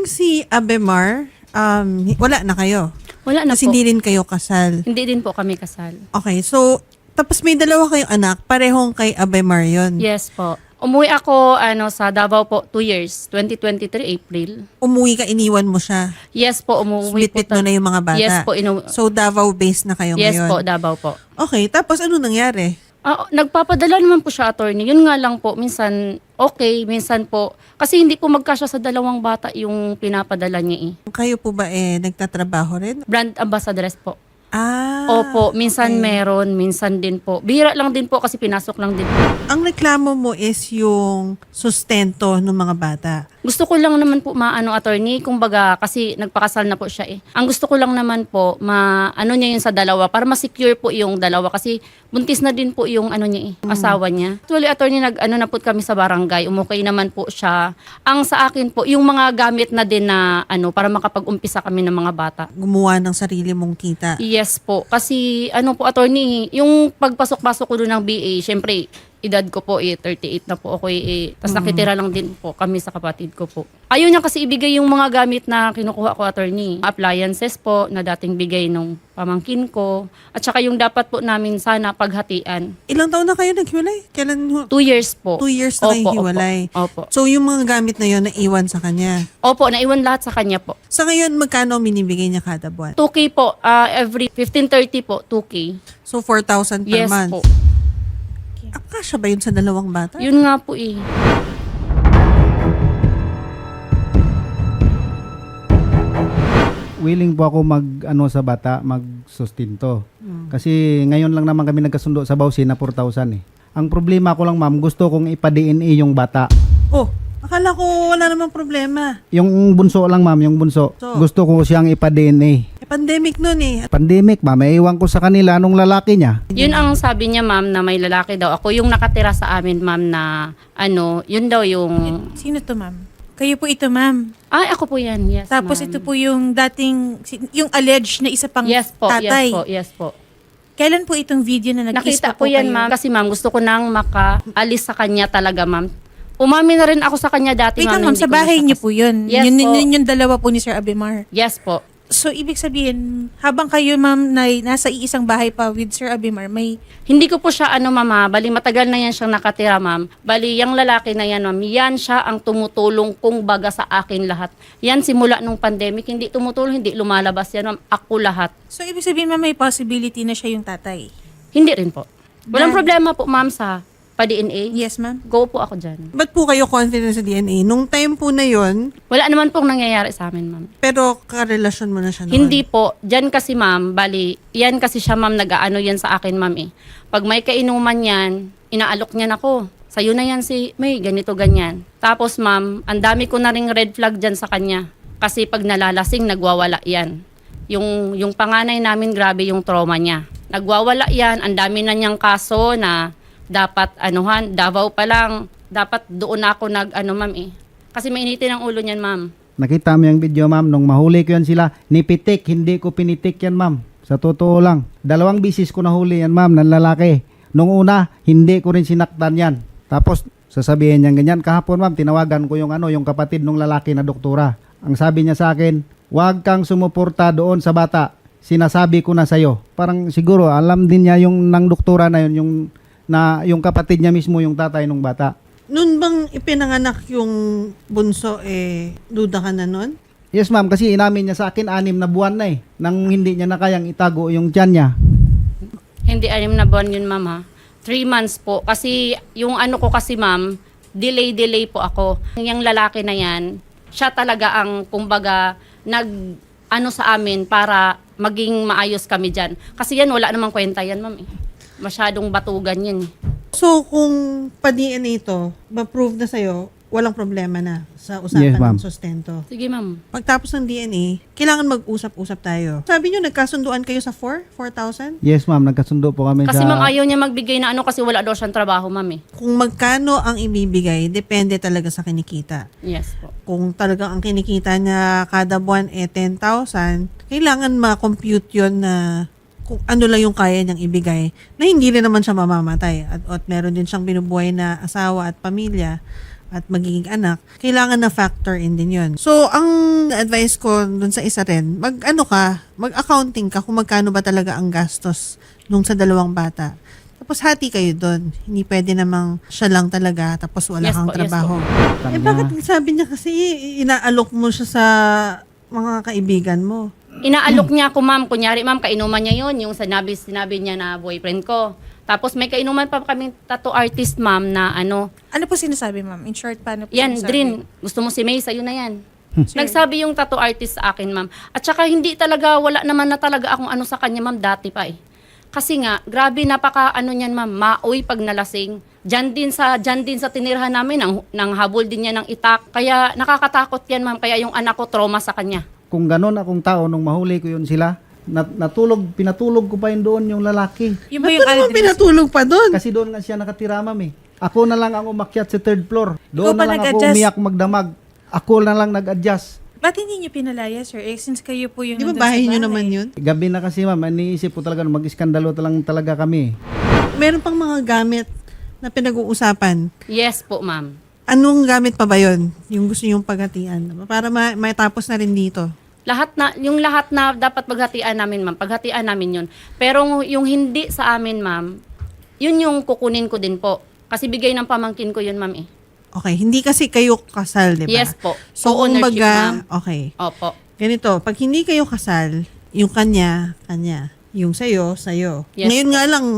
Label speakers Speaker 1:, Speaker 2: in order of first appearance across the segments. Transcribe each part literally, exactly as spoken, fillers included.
Speaker 1: si Abemar, um, wala na kayo?
Speaker 2: Wala na
Speaker 1: Kasi
Speaker 2: po.
Speaker 1: hindi rin kayo kasal.
Speaker 2: Hindi din po kami kasal.
Speaker 1: Okay, so, tapos may dalawa kayong anak, parehong kay Abemar yun.
Speaker 2: Yes po. Umuwi ako ano sa Davao po two years, twenty twenty-three April.
Speaker 1: Umuwi ka, iniwan mo siya.
Speaker 2: Yes po, umuwi po.
Speaker 1: Bitbit mo na yung mga bata.
Speaker 2: Yes po, inu-
Speaker 1: So, Davao-based na kayo
Speaker 2: yes
Speaker 1: ngayon.
Speaker 2: po, Davao po.
Speaker 1: Okay, tapos ano nangyari?
Speaker 2: Ah, nagpapadala naman po siya, attorney. Yun nga lang po, minsan okay, minsan po. Kasi hindi po magkasya sa dalawang bata yung pinapadala niya eh.
Speaker 1: Kayo po ba eh, nagtatrabaho rin?
Speaker 2: Brand ambassadress po.
Speaker 1: Ah,
Speaker 2: Opo, minsan
Speaker 1: okay.
Speaker 2: meron, minsan din po. Bihira lang din po kasi pinasok lang din po.
Speaker 1: Ang reklamo mo is yung sustento ng mga bata.
Speaker 2: Gusto ko lang naman po maano, attorney, kumbaga kasi nagpakasal na po siya eh. Ang gusto ko lang naman po maano niya yun sa dalawa para ma-secure po yung dalawa kasi buntis na din po yung ano niya eh, asawa niya. Actually, attorney, nag ano na po kami sa barangay, umukay naman po siya. Ang sa akin po, yung mga gamit na din na ano para makapag-umpisa kami ng mga bata.
Speaker 1: Gumawa ng sarili mong kita.
Speaker 2: Yes po, kasi ano po, attorney, yung pagpasok-pasok ko doon ng B A, syempre edad ko po eh, thirty-eight na po ako eh. Tapos nakitira lang din po kami sa kapatid ko po. Ayaw niya kasi ibigay yung mga gamit na kinukuha ko, attorney. Appliances po na dating bigay nung pamangkin ko. At saka yung dapat po namin sana paghatian.
Speaker 1: Ilang taon na kayo naghiwalay? Kailan? ho-
Speaker 2: Two years po.
Speaker 1: Two years na kayo
Speaker 2: Opo,
Speaker 1: hiwalay.
Speaker 2: Opo.
Speaker 1: So, yung mga gamit na yon naiwan sa kanya.
Speaker 2: Opo, naiwan lahat sa kanya po.
Speaker 1: Sa ngayon, magkano ang binibigay niya kada buwan?
Speaker 2: two K po, ah, every fifteen thirty po, two K.
Speaker 1: So, four thousand per
Speaker 2: Yes
Speaker 1: month.
Speaker 2: po.
Speaker 1: Ah, kasya ba yun sa dalawang bata?
Speaker 2: Yun nga po eh.
Speaker 3: Willing po ako mag ano sa bata, magsustinto. Kasi ngayon lang naman kami nagkasundo sa Bausi na four thousand eh. Ang problema ko lang, ma'am, gusto kong ipa-D N A yung bata.
Speaker 1: Oh, akala ko wala namang problema.
Speaker 3: Yung bunso lang, ma'am, yung bunso.
Speaker 1: So?
Speaker 3: Gusto ko siyang ipa-D N A.
Speaker 1: Eh, pandemic nun eh.
Speaker 3: Pandemic, ma'am, iwan ko sa kanila nung lalaki niya.
Speaker 2: Yun ang sabi niya, ma'am, na may lalaki daw. Ako yung nakatira sa amin, ma'am, na ano, yun daw yung...
Speaker 4: Sino to, ma'am? Kayo po ito, ma'am.
Speaker 2: Ay, ako po yan, yes,
Speaker 4: Tapos
Speaker 2: ma'am.
Speaker 4: ito po yung dating, yung alleged na isa pang
Speaker 2: Yes po,
Speaker 4: tatay.
Speaker 2: yes po, yes po.
Speaker 4: Kailan po itong video na nag-kiss
Speaker 2: Nakita
Speaker 4: po
Speaker 2: ko yan,
Speaker 4: kayo?
Speaker 2: ma'am. Kasi, ma'am, gusto ko nang makaalis sa kanya talaga, ma'am. Umami na rin ako sa kanya dati,
Speaker 4: Wait
Speaker 2: ma'am.
Speaker 4: lang, ma'am,
Speaker 2: hindi
Speaker 4: sa
Speaker 2: ko na
Speaker 4: bahay
Speaker 2: siya
Speaker 4: niyo
Speaker 2: kas-
Speaker 4: po yun.
Speaker 2: Yes
Speaker 4: yun,
Speaker 2: po.
Speaker 4: yun yung dalawa po ni Sir Abemar.
Speaker 2: Yes po.
Speaker 4: So, ibig sabihin, habang kayo, ma'am, na nasa iisang bahay pa with Sir Abemar, may...
Speaker 2: Hindi ko po siya, ano, mama, bali matagal na yan siyang nakatira, ma'am. Bali, yung lalaki na yan, ma'am, yan siya ang tumutulong kung baga sa akin lahat. Yan, simula nung pandemic, hindi tumutulong, hindi lumalabas yan, ma'am. Ako lahat.
Speaker 4: So, ibig sabihin, ma'am, may possibility na siya yung tatay.
Speaker 2: Hindi rin po. Walang
Speaker 4: Dahil-
Speaker 2: problema po, ma'am, sa pa-D N A.
Speaker 4: Yes, ma'am.
Speaker 2: Go po ako dyan.
Speaker 1: Ba't po kayo confident sa D N A? Nung time po na yon,
Speaker 2: Wala naman pong nangyayari sa amin, ma'am.
Speaker 1: pero karelasyon mo na siya noon.
Speaker 2: Hindi po. Diyan kasi, ma'am, bali, yan kasi siya, ma'am, nag-aano yan sa akin, ma'am, eh. Pag may kainuman yan, inaalok niyan ako. Sa'yo na yan si may ganito, ganyan. Tapos, ma'am, ang dami ko na ring red flag dyan sa kanya. Kasi pag nalalasing, nagwawala yan. Yung, yung panganay namin, grabe yung trauma niya. Nagwawala yan, ang dami na niyang kaso na dapat, anuhan, Davao pa lang, dapat doon ako nag, ano, ma'am, eh. Kasi mainitin ang ulo niyan, ma'am.
Speaker 3: Nakita mo yung video, ma'am, nung mahuli ko yan sila, nipitik, hindi ko pinitik yan, ma'am. Sa totoo lang. Dalawang bisis ko nahuli yan, ma'am, ng lalaki. Nung una, hindi ko rin sinaktan yan. Tapos, sasabihin niya ganyan. Kahapon, ma'am, tinawagan ko yung ano, yung kapatid ng lalaki na doktora. Ang sabi niya sa akin, huwag kang sumuporta doon sa bata. Sinasabi ko na sa'yo. Parang siguro, alam din niya yung ng doktora na yun, yung, na, yung kapatid niya mismo, yung tatay ng bata.
Speaker 1: Noon bang ipinanganak yung bunso, eh, duda ka na nun?
Speaker 3: Yes, ma'am, kasi inamin niya sa akin, anim na buwan na eh. Nang hindi niya na kayang itago yung tiyan niya.
Speaker 2: Hindi, anim na buwan yun, ma'am, ha? Three months po. Kasi, yung ano ko kasi, ma'am, delay-delay po ako. Yung lalaki na yan, siya talaga ang, kumbaga, nag, ano sa amin para maging maayos kami dyan. Kasi yan, wala namang kwenta yan, ma'am, eh. Masyadong batugan yan, eh.
Speaker 1: So, kung pa-D N A ito, ma-prove na sa'yo, walang problema na sa usapan
Speaker 3: Yes, ma'am.
Speaker 1: ng sustento.
Speaker 2: Sige, ma'am.
Speaker 1: Pagtapos ng D N A, kailangan mag-usap-usap tayo. Sabi niyo, nagkasunduan kayo sa four? four thousand?
Speaker 3: Yes, ma'am, nagkasundo po kami
Speaker 2: Kasi,
Speaker 3: sa...
Speaker 2: ma'am, ayaw niya magbigay na ano kasi wala daw siyang trabaho, ma'am, eh.
Speaker 1: Kung magkano ang ibibigay, depende talaga sa kinikita.
Speaker 2: Yes po.
Speaker 1: Kung talagang ang kinikita niya kada buwan eh ten thousand, kailangan ma-compute yun na kung ano lang yung kaya niyang ibigay na hindi rin naman siya mamamatay at, at meron din siyang binubuhay na asawa at pamilya at magiging anak, kailangan na factor in din yun. So, ang ang advice ko dun sa isa rin, mag ano ka, mag-accounting ka kung magkano ba talaga ang gastos nung sa dalawang bata. Tapos hati kayo doon. Hindi pwede namang siya lang talaga tapos wala
Speaker 2: Yes
Speaker 1: kang
Speaker 2: po, yes
Speaker 1: trabaho.
Speaker 3: Kanya.
Speaker 1: eh bakit sabi niya kasi inaalok mo siya sa mga kaibigan mo?
Speaker 2: Inaalok niya ako, ma'am. Kunyari, ma'am, kainuman niya yon yung sinabi, sinabi niya na boyfriend ko. Tapos may kainuman pa kaming tattoo artist, ma'am, na ano,
Speaker 4: Ano po sinasabi, ma'am? In short, paano po
Speaker 2: yan,
Speaker 4: sinasabi?
Speaker 2: Drin, gusto mo si May, sa'yo na yan.
Speaker 4: Sure.
Speaker 2: Nagsabi yung tattoo artist sa akin, ma'am. At saka hindi talaga, wala naman na talaga akong ano sa kanya, ma'am, dati pa eh. Kasi nga, grabe, napaka ano niyan, ma'am, maoy pag nalasing. Diyan din sa, diyan din sa tinirhan namin, nang, nang habol din niya ng itak. Kaya nakakatakot yan, ma'am. Kaya yung anak ko, trauma sa kanya.
Speaker 3: Kung ganon akong tao, nung mahuli ko yun sila, nat- natulog, pinatulog ko pa yun doon yung lalaki.
Speaker 4: Yung ba
Speaker 1: Ba't
Speaker 4: yung
Speaker 1: mo naman
Speaker 4: Aldrin?
Speaker 1: pinatulog pa doon?
Speaker 3: Kasi doon nga siya nakatira, ma'am eh. Ako na lang ang umakyat sa third floor. Doon
Speaker 4: Ikaw pa
Speaker 3: na lang ako
Speaker 4: nag-adjust?
Speaker 3: umiyak magdamag. Ako na lang nag-adjust.
Speaker 4: Ba't hindi niyo pinalaya, sir? Eh, since kayo po yung
Speaker 1: Di ba
Speaker 4: nandun sa
Speaker 1: bahay niyo naman yun?
Speaker 3: Gabi na kasi, ma'am, iniisip ko talaga, mag-iskandalo lang talaga kami.
Speaker 1: Meron pang mga gamit na pinag-uusapan.
Speaker 2: Yes po, ma'am.
Speaker 1: Anong gamit pa ba yun? Yung gusto yung paghatian? Para ma- matapos na rin dito.
Speaker 2: Lahat na, yung lahat na dapat paghatian namin, ma'am, paghatian namin yun. Pero yung hindi sa amin, ma'am, yun yung kukunin ko din po. Kasi bigay ng pamangkin ko yun, ma'am eh.
Speaker 1: Okay, hindi kasi kayo kasal, di ba?
Speaker 2: Yes po.
Speaker 1: So,
Speaker 2: Co-ownership,
Speaker 1: kumbaga,
Speaker 2: ma'am.
Speaker 1: okay.
Speaker 2: Opo.
Speaker 1: Ganito, pag hindi kayo kasal, yung kanya, kanya. Yung sa'yo, sa'yo.
Speaker 2: Yes
Speaker 1: Ngayon
Speaker 2: po.
Speaker 1: nga lang,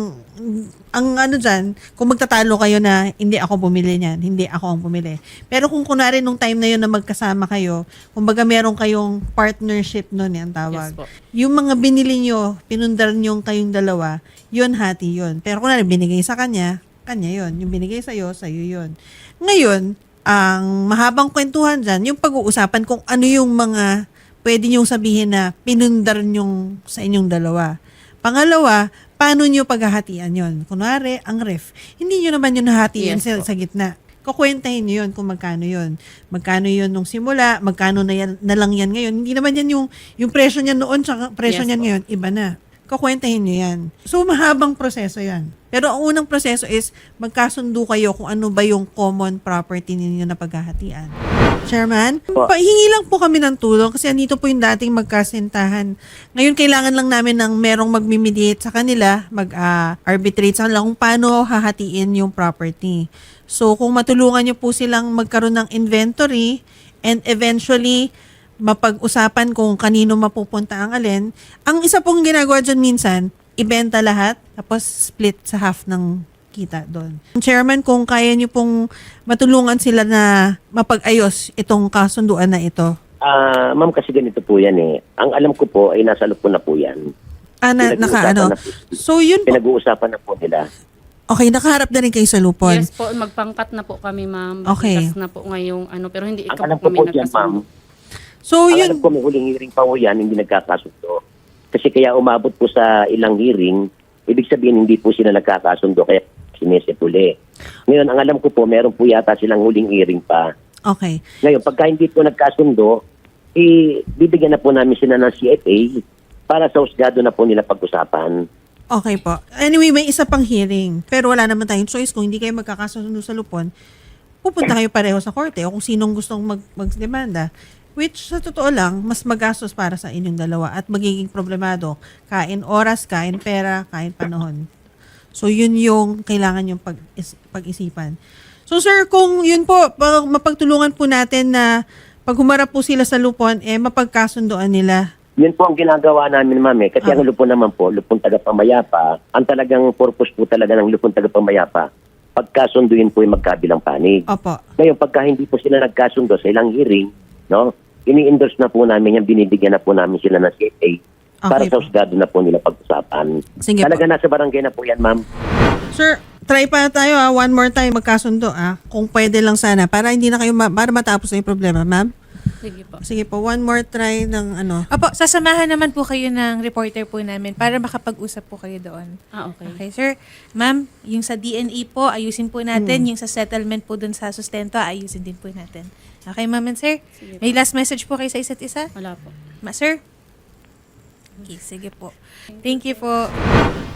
Speaker 1: ang ano dyan, kung magtatalo kayo na hindi ako bumili niyan, hindi ako ang bumili. Pero kung kunwari nung time na yun na magkasama kayo, kumbaga meron kayong partnership nun, yan tawag.
Speaker 2: Yes po.
Speaker 1: Yung mga binili nyo, pinundar nyo kayong dalawa, yun hati yun. Pero kunwari binigay sa kanya, kanya yun. Yung binigay sa'yo, sa'yo yun. Ngayon, ang mahabang kwentuhan dyan, yung pag-uusapan kung ano yung mga pwede nyong sabihin na pinundar nyong sa inyong dalawa. Pangalawa, paano nyo paghahatian yon? Kunwari, ang ref. Hindi nyo naman yun nahatiin
Speaker 2: Yes
Speaker 1: sa,
Speaker 2: po.
Speaker 1: sa gitna. Kukwentahin nyo yun kung magkano yun. Magkano yun nung simula, magkano na, yan, na lang yan ngayon. Hindi naman yan yung, yung presyo niyan noon sa presyo
Speaker 2: Yes
Speaker 1: niyan
Speaker 2: po.
Speaker 1: ngayon, iba na. Kukwentahin nyo yan. So, mahabang proseso yan. Pero ang unang proseso is magkasundo kayo kung ano ba yung common property ninyo na paghahatian. Chairman, pahingi lang po kami ng tulong kasi andito po yung dating magkasintahan. Ngayon, kailangan lang namin ng merong magmimediate sa kanila, mag-arbitrate sa kanila kung paano hahatiin yung property. So, kung matulungan nyo po silang magkaroon ng inventory and eventually mapag-usapan kung kanino mapupunta ang alin, ang isa pong ginagawa dyan minsan, ibenta lahat, tapos split sa half ng kita doon. Chairman, kung kaya niyo pong matulungan sila na mapag-ayos itong kasunduan na ito.
Speaker 5: Ah, ma'am, kasi ganito po yan eh. Ang alam ko po ay nasa loob po na po yan.
Speaker 1: Ah, na, naka,
Speaker 5: Pinag-uusapan
Speaker 1: ano.
Speaker 5: na po.
Speaker 1: So, yun po.
Speaker 5: Pinag-uusapan na po nila.
Speaker 1: Okay, nakaharap na rin kayo sa lupon.
Speaker 2: Yes po, magpangkat na po kami, ma'am.
Speaker 1: Okay.
Speaker 2: Bigas na po ngayong ano, pero hindi
Speaker 5: Ang
Speaker 2: ikaw
Speaker 5: alam
Speaker 2: po
Speaker 5: ko po
Speaker 2: kami
Speaker 5: dyan, ma'am,
Speaker 2: nagkasundo.
Speaker 1: So,
Speaker 5: ang
Speaker 1: yun.
Speaker 5: alam ko may huling hearing pa po yan, hindi nagkakasundo. Kasi kaya umabot po sa ilang hearing, ibig sabihin hindi po sila nagkakasundo, kaya sinisipuli. Ngayon, ang alam ko po, meron po yata silang huling hearing pa.
Speaker 1: Okay.
Speaker 5: Ngayon, pagka hindi po nagkasundo, eh, bibigyan na po namin sila ng C F A para sa husgado na po nila pag-usapan.
Speaker 1: Okay po. Anyway, may isa pang hearing. Pero wala naman tayong choice. Kung hindi kayo magkakasundo sa lupon, pupunta kayo pareho sa korte o kung sinong gustong mag magdemanda. Which, sa totoo lang, mas magastos para sa inyong dalawa at magiging problemado. Kain oras, kain pera, kain panahon. So, yun yung kailangan yung pag is, pag-isipan. So, sir, kung yun po, pag, mapagtulungan po natin na pag humarap po sila sa lupon, eh, mapagkasundoan nila.
Speaker 5: Yun po ang ginagawa namin, ma'am, eh. Kasi
Speaker 1: Ah.
Speaker 5: ang lupon naman po, lupon tagapamayapa, ang talagang purpose po talaga ng lupon tagapamayapa, pagkasunduin po yung magkabilang panig.
Speaker 1: Opo.
Speaker 5: Ngayon, pagka hindi po sila nagkasundo sa ilang hearing, no, ini-endorse na po namin yan, binibigyan na po namin sila ng C F A para
Speaker 1: Okay
Speaker 5: sa
Speaker 1: po.
Speaker 5: husgado na po nila pag-usapan.
Speaker 1: Sige
Speaker 5: Talaga
Speaker 1: po.
Speaker 5: nasa barangay na po yan, ma'am.
Speaker 1: Sir, try pa tayo ah. One more time magkasundo ah. Kung pwede lang sana. Para hindi na kayo, ma- para matapos na yung problema, ma'am.
Speaker 2: Sige po.
Speaker 1: Sige po, one more try ng ano.
Speaker 4: Opo, sasamahan naman po kayo ng reporter po namin para makapag-usap po kayo doon.
Speaker 2: Ah, okay.
Speaker 4: Okay, sir. Ma'am, yung sa D N A po, ayusin po natin. Yung sa settlement po dun sa sustento, ayusin din po natin. Okay, ma'am and sir?
Speaker 2: Sige
Speaker 4: May last message po kayo sa isa't isa?
Speaker 2: Wala po.
Speaker 4: Ma, sir? Okay, sige po. Thank you po.